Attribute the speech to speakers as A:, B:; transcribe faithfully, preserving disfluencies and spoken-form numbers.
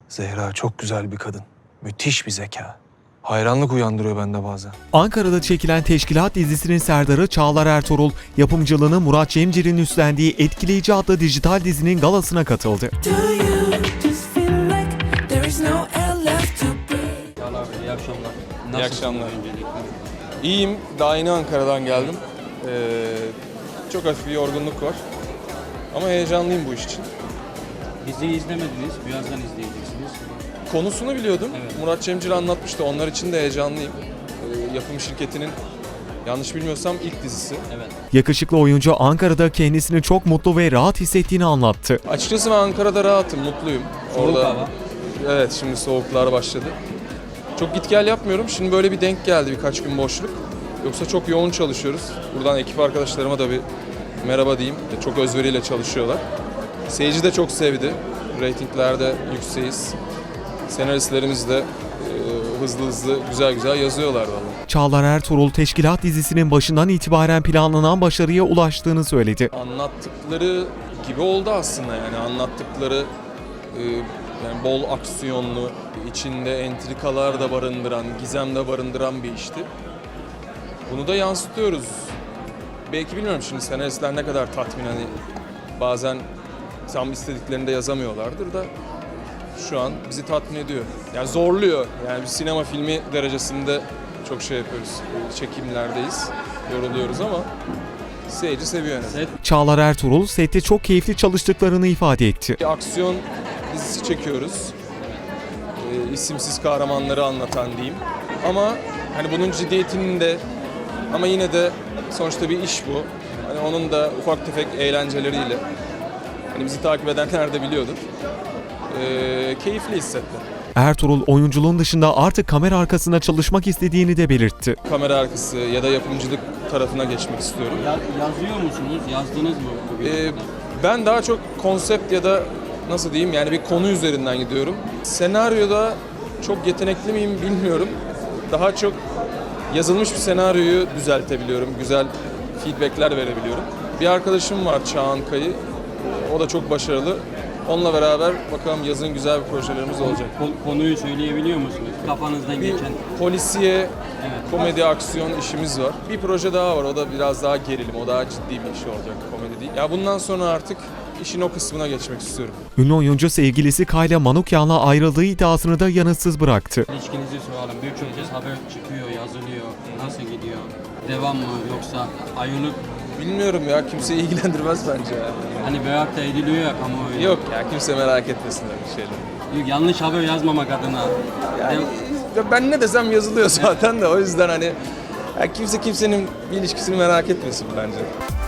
A: Zehra çok güzel bir kadın. Müthiş bir zeka. Hayranlık uyandırıyor bende bazen.
B: Ankara'da çekilen Teşkilat dizisinin serdarı Çağlar Ertuğrul, yapımcılığını Murat Cemcir'in üstlendiği Etkileyici adlı dijital dizinin galasına katıldı.
C: İyi akşamlar.
A: İyi akşamlar. İyiyim. Daha yeni Ankara'dan geldim. Ee, çok hafif bir yorgunluk var. Ama heyecanlıyım bu iş için.
C: Diziyi izlemediniz, birazdan izleyeceksiniz.
A: Konusunu biliyordum.
C: Evet.
A: Murat Cemcir anlatmıştı. Onlar için de heyecanlıyım. Ee, yapım şirketinin yanlış bilmiyorsam ilk dizisi.
C: Evet.
B: Yakışıklı oyuncu Ankara'da kendisini çok mutlu ve rahat hissettiğini anlattı.
A: Açıkçası ben Ankara'da rahatım, mutluyum.
C: Soğuk hava.
A: Evet, şimdi soğuklar başladı. Çok git gel yapmıyorum. Şimdi böyle bir denk geldi, birkaç gün boşluk. Yoksa çok yoğun çalışıyoruz. Buradan ekip arkadaşlarıma da bir merhaba diyeyim. Çok özveriyle çalışıyorlar. Seyirci de çok sevdi. Ratinglerde yükseğiz. Senaristlerimiz de e, hızlı hızlı güzel güzel yazıyorlar vallahi.
B: Çağlar Ertuğrul, Teşkilat dizisinin başından itibaren planlanan başarıya ulaştığını söyledi.
A: Anlattıkları gibi oldu aslında, yani anlattıkları e, yani bol aksiyonlu, içinde entrikalar da barındıran, gizem de barındıran bir işti. Bunu da yansıtıyoruz. Belki bilmiyorum şimdi senaristler ne kadar tatmin, hani bazen tam istediklerini de yazamıyorlardır da şu an bizi tatmin ediyor. Yani zorluyor. Yani bir sinema filmi derecesinde çok şey yapıyoruz. Çekimlerdeyiz, yoruluyoruz ama seyirci seviyor en azından.
C: Set
B: Çağlar Ertuğrul, sette çok keyifli çalıştıklarını ifade etti.
A: Bir aksiyon dizisi çekiyoruz. Ee, isimsiz kahramanları anlatan diyeyim. Ama hani bunun ciddiyetinin de, ama yine de sonuçta bir iş bu. Hani onun da ufak tefek eğlenceleriyle. Hani bizi takip edenler de biliyordur. Ee, keyifli hissettim.
B: Ertuğrul, oyunculuğun dışında artık kamera arkasında çalışmak istediğini de belirtti.
A: Kamera arkası ya da yapımcılık tarafına geçmek istiyorum.
C: ya, yazıyor musunuz? Yazdınız mı bugün?
A: Ee, ben daha çok konsept ya da nasıl diyeyim, yani bir konu üzerinden gidiyorum. Senaryoda çok yetenekli miyim bilmiyorum. Daha çok yazılmış bir senaryoyu düzeltebiliyorum. Güzel feedbackler verebiliyorum. Bir arkadaşım var, Çağan Kayı. O da çok başarılı. Onunla beraber bakalım yazın güzel bir projelerimiz olacak.
C: Ko- konuyu söyleyebiliyor musunuz? Kafanızdan
A: Bir
C: geçen.
A: polisiye, komedi, aksiyon işimiz var. Bir proje daha var. O da biraz daha gerilim. O daha ciddi bir iş olacak. Komedi değil. Ya bundan sonra artık işin o kısmına geçmek istiyorum.
B: Ünlü oyuncu sevgilisi Kayla Manukyan'la ayrıldığı iddiasını da yanıtsız bıraktı.
C: İlişkinizi soralım. Birçok kez haber çıkıyor, yazılıyor. Nasıl gidiyor? Devam mı yoksa ayrılık?
A: Bilmiyorum ya. Kimseyi ilgilendirmez bence ya.
C: Hani merak da ediliyor ya kamuoyu.
A: Yok ya. Kimse merak etmesin öyle şeyleri.
C: Yok, yanlış haber yazmamak adına.
A: Yani
C: Dev-
A: ya ben ne desem yazılıyor zaten de, o yüzden hani ya kimse kimsenin bir ilişkisini merak etmesin bence.